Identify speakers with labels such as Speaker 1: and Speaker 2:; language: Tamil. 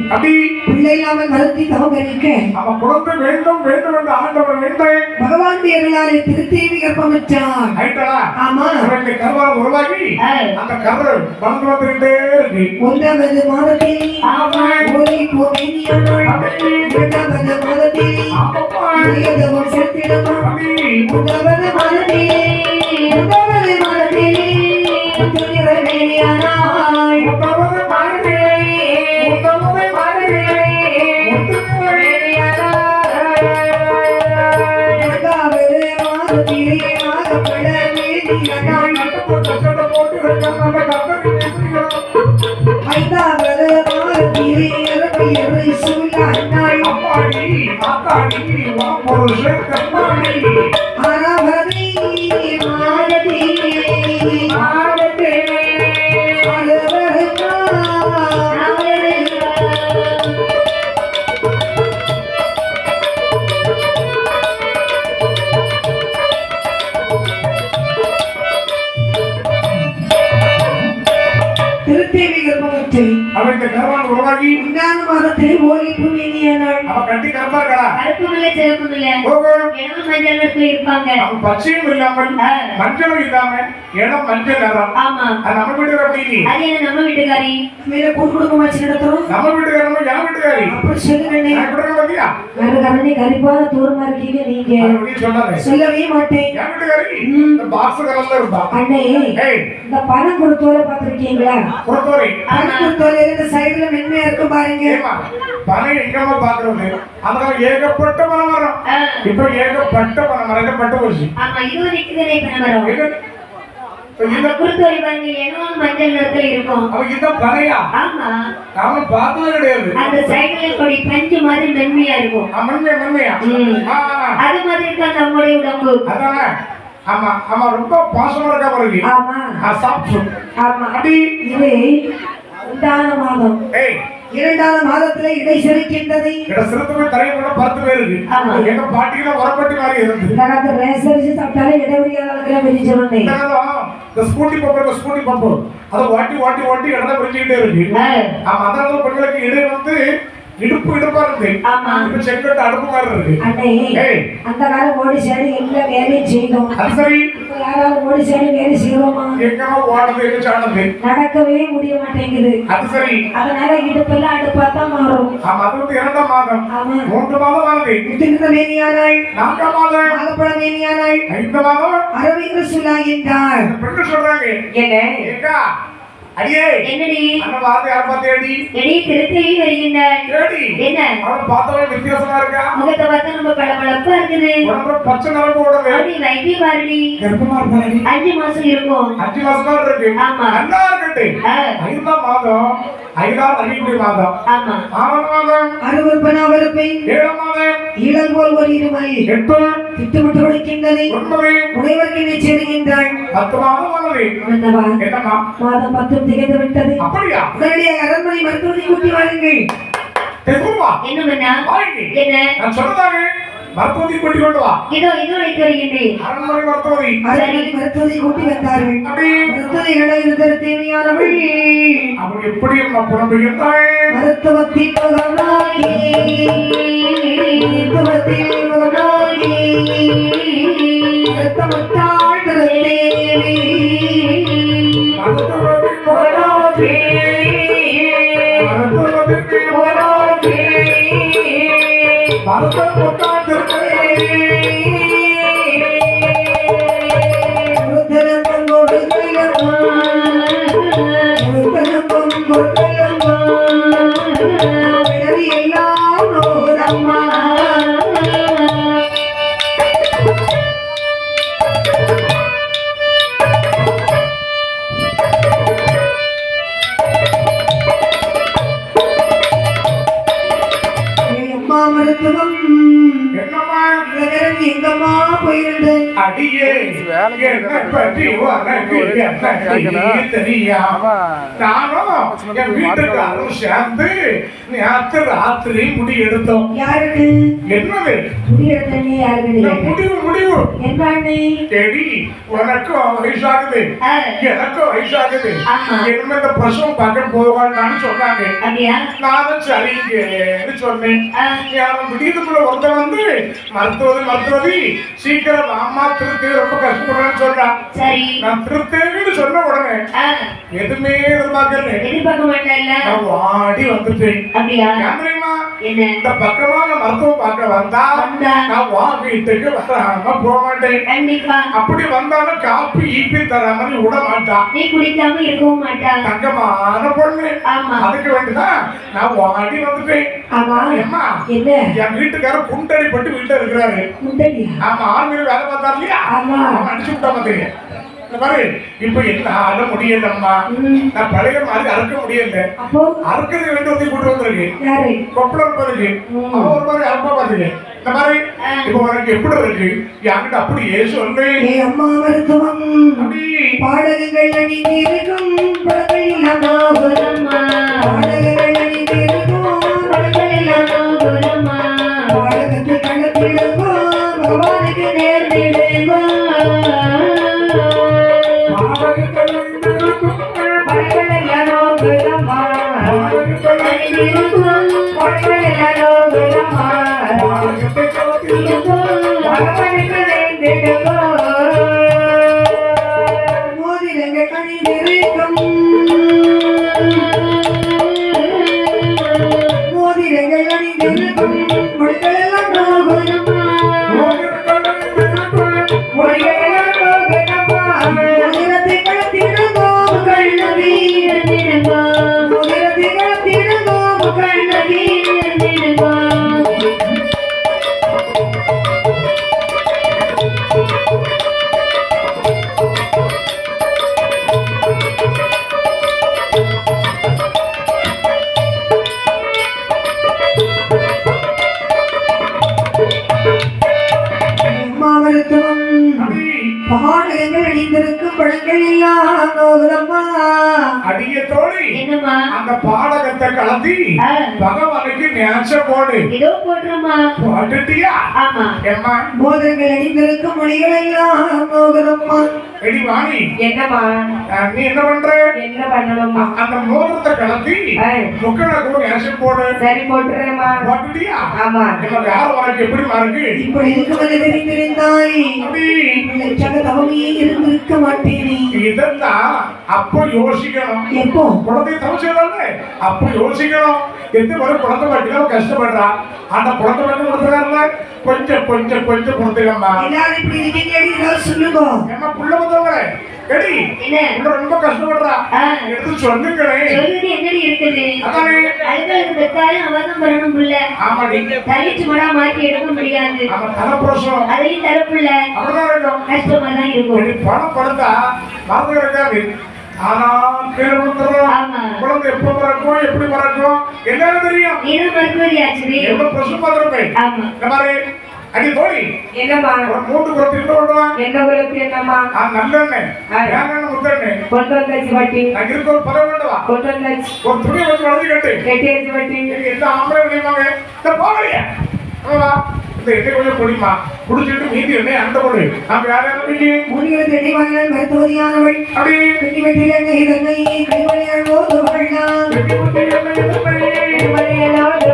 Speaker 1: அப்படி
Speaker 2: பிள்ளை இல்லாமல் வருத்தி தவம் இருக்க
Speaker 1: அவன் குழந்தை வேண்டும் வேண்டும் என்று ஆண்டவர் வேண்டேன்
Speaker 2: பகவான் தேவர்களாலே திருத்தேவி கர்ப்பமிட்டார்.
Speaker 1: ஆயிட்டா
Speaker 2: ஆமா
Speaker 1: அவனுக்கு கருவால் உருவாகி அந்த கரு வளர்ந்து வந்துகிட்டே இருக்கு.
Speaker 2: 1வது மாதத்தில் ஓலை பூமியானாள். 2வது மாதத்தில் இளையதவம் செலுத்திடமா. 3வது மாதத்தில் துணிரவேணியானாள்.
Speaker 1: 3வது மாதத்திலே
Speaker 2: நாகப்பட வேண்டியனாள். 5வது மாதத்திலே இறப்பையரை சூழானாள். 6வது திருத்தேவி கர்ப்பமிட்டு
Speaker 1: அவனுக்கு கருவால் உருவாகி
Speaker 2: 2வது மாதத்தில் ஓலை பூமியானாள்.
Speaker 1: அவ கட்டி கருப்பா இருக்கா
Speaker 3: கருப்பும் இல்ல சிவப்பும் இல்ல இளம் மஞ்சள் நிறத்துல இருப்பாங்க.
Speaker 1: அவன் பச்சையும் இல்லாமல் மஞ்சளும் இல்லாம இளம் மஞ்சள் நிறம்.
Speaker 3: ஆமா
Speaker 1: அது நம்ம வீட்டுக்கு அப்படி
Speaker 3: அது என்ன நம்ம வீட்டுக்காரி
Speaker 2: மேல கூட்டு குடும்பம் வச்சு நடத்துறோம்.
Speaker 1: நம்ம வீட்டுக்காரமா என் வீட்டுக்காரி
Speaker 2: அப்படி சொல்லுங்க.
Speaker 1: பாத்தியா
Speaker 2: கரணி கரிப்பாத தூரமா இருக்கீங்க நீங்க.
Speaker 1: அப்படின்னு சொன்னாரு.
Speaker 2: சொல்லவே மாட்டேன்.
Speaker 1: என் வீட்டுக்காரி இந்த பாக்ஸ் கலர்ல இருந்தா.
Speaker 2: அண்ணே இந்த பணம் கொடுத்தோல பாத்திருக்கீங்களா?
Speaker 1: கொடுத்தோரை
Speaker 2: பணம் கொடுத்தோல இந்த சைடுல மென்மையா இருக்கும் பாருங்க.
Speaker 1: பணம் எங்கம்மா பாக்குறது அதனால ஏகப்பட்ட பணம் வரும். இப்ப ஏகப்பட்ட பணம் மறைக்கப்பட்ட போச்சு.
Speaker 3: ஆமா இது நிக்குதே பணம் அந்த குருத்தோரி பாருங்க இளம் மஞ்சள் நிறத்துல இருக்கும்.
Speaker 1: அவன் இந்த பணையா
Speaker 3: ஆமா
Speaker 1: அவன் பார்த்தது கிடையாது.
Speaker 3: அந்த சைடுல கொடி பஞ்சு மாதிரி மென்மையா இருக்கும்.
Speaker 1: மென்மையா
Speaker 3: அது மாதிரி இருக்கா நம்மளுடைய உடம்பு.
Speaker 1: அதானே ஆமா ஆமா ரொம்ப பாசமா இருக்கா பாருங்க.
Speaker 2: ஆமா
Speaker 1: சாப்பிட்டு
Speaker 2: ஆமா
Speaker 1: அப்படி
Speaker 2: இது 2வது மாதம். 2வது மாதத்துல இடை செலுக்கின்றது.
Speaker 1: சிறுத்தை தரையை கூட 10 பேர் இருக்கு. எங்க பாட்டியில உரப்பட்டி மாதிரி இருந்து
Speaker 2: இந்த ரேசரிச்சு சாப்பிட்டாலே இடைவெளியாளர்கள வெளிச்சவனே.
Speaker 1: இந்த ஸ்கூட்டி பம்பு அதை ஓட்டி இடத்த பிரிச்சுக்கிட்டே இருக்கு. ஆமா அதனால பெண்களுக்கு இடை வந்து இடுப்பா இருக்கு. இப்ப செங்கட்டு அடுப்பு மாதிரி இருக்கு.
Speaker 2: அண்ணே அந்த காலம் ஓடி சேடி எல்லா வேலையும் செய்தோம்.
Speaker 1: அது சரி
Speaker 2: யாராவது ஓடி சேடி வேலை செய்வோமா?
Speaker 1: எங்கமா ஓடுறது எங்க சாடுறது
Speaker 2: நடக்கவே முடிய மாட்டேங்குது.
Speaker 1: அது சரி
Speaker 2: அதனால இடுப்பெல்லாம் அடுப்பா தான் மாறும்.
Speaker 1: ஆமா அது வந்து 2வது மாதம். 3 மாதம் ஆகுது.
Speaker 2: முத்துகிற மேனியானாள்.
Speaker 1: 4வது மாதம்
Speaker 2: நாகப்பட மேனியானாள்.
Speaker 1: 5வது மாதம்
Speaker 2: அரவிந்த சொல்லாகின்றாள்.
Speaker 1: பெண்கள் சொல்றாங்க
Speaker 2: என்ன
Speaker 1: ஏக்கா அடியே
Speaker 3: என்னடி
Speaker 1: அந்த வார்த்தை யார் பார்த்தேடி
Speaker 3: எடி திருத்தேவி வருகின்றாள்.
Speaker 1: ஏடி
Speaker 3: என்ன
Speaker 1: அவளை பார்த்தவே வித்தியாசமா இருக்கா.
Speaker 3: முகத்தை பார்த்தா நம்ம பளபளப்பா இருக்குது.
Speaker 1: உடம்புல பச்சை நிறம் ஓடுது.
Speaker 3: அப்படி வைத்தி பாருடி
Speaker 1: கர்ப்பமா இருக்காடி.
Speaker 3: 5 மாசம் இருக்கும்.
Speaker 1: 5 மாசமா இருக்கு.
Speaker 3: ஆமா
Speaker 1: நல்லா இருக்கட்டு. 5ஆம் மாதம் 5ஆம் அறிவுரை மாதம்.
Speaker 3: ஆமா
Speaker 1: 6ஆம் மாதம்
Speaker 2: அருவருப்பனாவர் பெண்.
Speaker 1: 7ஆம் மாதம்
Speaker 2: ஈழல் போல் ஒரு இருமை
Speaker 1: 8
Speaker 2: திட்டமிட்டு கொடுக்கின்றது.
Speaker 1: 9
Speaker 2: உடையவர்க்கு நிச்சயிக்கின்றாள்.
Speaker 1: 10 மாதம் ஆனது. என்னம்மா
Speaker 2: மாதம் 10 திகழ்ந்து விட்டது.
Speaker 1: அப்படியா
Speaker 2: உடனடியாக அரண்மனை மருத்துவத்தை கூட்டி வாருங்கள்.
Speaker 1: தெருவா
Speaker 3: என்ன பண்ணா என்ன
Speaker 1: நான் சொன்னதாக மருத்துவத்தை கூட்டி கொண்டு வா.
Speaker 3: இதோ அழைத்து வருகின்றேன்.
Speaker 1: அரண்மனை மருத்துவத்தை
Speaker 2: மருத்துவத்தை கூட்டி வந்தார்கள். மருத்துவத்தை இடையிறுதல் தேவையானவள்
Speaker 1: அவள் எப்படி நம்ம புலம்புகின்றாள்.
Speaker 2: மருத்துவத்தின் முகமாகி மருத்துவத்தின் முகமாகி மருத்துவத்தாள் தேவி
Speaker 1: மருத்துவத்தின் முகமாகி மருத்துவத்தின் முகமாகி மருத்துவத்தாள் என்ன பற்றி உனக்கு என்ன தெரியாம நானும் என் வீட்டுக்காரரும் சேர்ந்து நேத்து ராத்திரி முடி எடுத்தோம்.
Speaker 2: யாருக்கு
Speaker 1: என்னது
Speaker 2: முடி எடுத்தனே யாருக்கு
Speaker 1: முடிவு
Speaker 2: என்ன
Speaker 1: தேடி உனக்கும் வயசாகுது எனக்கும் வயசாகுது என்ன இந்த பிரசவம் பார்க்க போவான்னு சொன்னாங்க. நானும் சரிங்கன்னு சொன்னேன். யாரும் விடியதுக்குள்ள ஒருத்தன் வந்து மருத்துவதி சீக்கிரம் அம்மா திருத்தி ரொம்ப கஷ்டப்படுறேன்னு சொல்றான். நான் திருத்தேன்னு சொன்ன உடனே எதுவுமே எதிர்பார்க்க மாட்டேன். நான் வாடி வந்துட்டேன். இந்த பக்கமா நான் மருத்துவம் பார்க்க வந்தா நான் வா வீட்டுக்கு வராம போக மாட்டேன். அப்படி வந்தாலும் காப்பி ஈப்பி தராம விட மாட்டான்.
Speaker 3: நீ குடிக்காம இருக்கவும் மாட்டான்.
Speaker 1: தங்கமான பொண்ணு. அதுக்கு வேண்டிதான் நான் வாடி வந்துட்டேன். அம்மா என் வீட்டுக்காரர் குண்டடிப்பட்டு வீட்டுல இருக்கிறாரு. ஆமா ஆர்மியில வேலை பார்த்தாரு இல்லையா, அடிச்சு விட்டா பாத்தீங்க. இந்த மாதிரி இப்ப என்ன முடியலம்மா, நான் பழைய மாதிரி அறுக்க முடியல. அறுக்கிறது வேண்டி வந்து கூட்டு வந்திருக்கு கொப்பளம் இருப்பதுக்கு அவன் ஒரு மாதிரி அறுப்பா பாத்துக்க. இந்த மாதிரி இப்ப உனக்கு எப்படி இருக்கு என்கிட்ட அப்படியே சொல்லு.
Speaker 2: அம்மா மருத்துவம் பாடகங்கள் அணிந்திருக்கும் பாடகங்கள் அணிந்திருக்கும் பாடகத்தை கணக்கிடுங்கோ பகவானுக்கு நேர்ந்திடுங்கோ. மோதிரங்கள் அணிந்திருக்கும் மோதிரங்கள் அணிந்திருக்கும் மொழிகளெல்லாம் நோகுதம்மா மொழிகளெல்லாம் நோகுதம்மா. மோதிரத்தை கழுத்திடுங்கோ கண்ணவி மோதிரத்தை கழுத்திடுங்கோ கண்ணவி. மருத்துவம் பாடகங்கள் அணிந்திருக்கும் பழங்கள் எல்லாம் நோகுதம்மா.
Speaker 1: அடிய தோழி அந்த பாடகத்தை கலத்தி பகவானுக்கு நேச்ச போடு. போட்டுட்டியா? எம்மா
Speaker 2: மோதிரங்கள் அணிந்திருக்கும் மொழிகள் எல்லாம் நோகுதம்மா.
Speaker 1: எடி வாணி
Speaker 2: என்னம்மா
Speaker 1: நீ என்ன பண்ற?
Speaker 2: என்ன பண்ணணும்மா?
Speaker 1: அந்த மோதிரத்தை கலத்தி முக்கன கூட நேச்ச போடு.
Speaker 2: சரி போட்டுறேம்மா.
Speaker 1: போட்டுட்டியா?
Speaker 2: ஆமா.
Speaker 1: நம்ம வேற உனக்கு எப்படி மாறுக்கு?
Speaker 2: இப்படி இருக்கும்போது தெரிந்திருந்தாய் தவமையே இருந்திருக்க மாட்டேனே.
Speaker 1: இதெல்லாம் அப்போ யோசிக்கணும்.
Speaker 2: எப்போ
Speaker 1: குழந்தை தவச்சதானே அப்போ யோசிக்கணும். எந்த ஒரு குழந்தை வாட்டிலும் கஷ்டப்படுறா. அந்த குழந்தை வாட்டி கொடுத்துறாருல கொஞ்சம் கொஞ்சம் கொஞ்சம் கொடுத்துக்கம்மா.
Speaker 2: எல்லாரும் இப்படி இருக்கீங்க சொல்லுங்க.
Speaker 1: ஏமா புள்ள வந்தவங்களே எடி ரொம்ப கஷ்டப்படுறா எடுத்து சொல்லுங்களே.
Speaker 3: என்னடி இருக்குது?
Speaker 1: அதானே
Speaker 3: அழுகலுக்கு பெத்தாலும் அவதான் பண்ணணும் புள்ள.
Speaker 1: ஆமாடி
Speaker 3: தலிச்சு மடா மாற்றி எடுக்க முடியாது.
Speaker 1: அவன் தலைப்புறம்
Speaker 3: அதையும் தரப்புள்ள
Speaker 1: அப்படிதான் இருக்கும்.
Speaker 3: கஷ்டமா தான் இருக்கும்.
Speaker 1: பணம் படுத்தா மறந்து இருக்காது. ஆனா குழந்தை எப்ப பிறக்கும் எப்படி பிறக்கும் என்னன்னு தெரியும். எவ்வளவு பிரசவம் பார்த்திருப்பேன். இந்த மாதிரி அடி தோழி
Speaker 2: என்னம்மா
Speaker 1: மூன்று குளத்து
Speaker 2: என்ன குளத்து என்னம்மா
Speaker 1: நல்லெண்ணெய் ஏன் முத்தெண்ணெய்
Speaker 2: கொண்டு வந்தாச்சு பாட்டி.
Speaker 1: நான் இருக்க ஒரு பதவி வேண்டுவா
Speaker 2: கொண்டு வந்தாச்சு.
Speaker 1: ஒரு துணியை வச்சு வளர்ந்து கட்டு
Speaker 2: கட்டி வச்சு பாட்டி.
Speaker 1: எந்த ஆம்பளை விளையுமாங்க இந்த போகலையா இந்த எண்ணெய் கொஞ்சம் குடிமா குடிச்சிட்டு மீதி எண்ணெய் அந்த பொண்ணு நான் வேற என்ன
Speaker 2: முனிவர் எண்ணெய் வாங்கினால் மருத்துவதியானவள்
Speaker 1: அப்படி
Speaker 2: கட்டி வெட்டில் எண்ணெய் கைமணியால்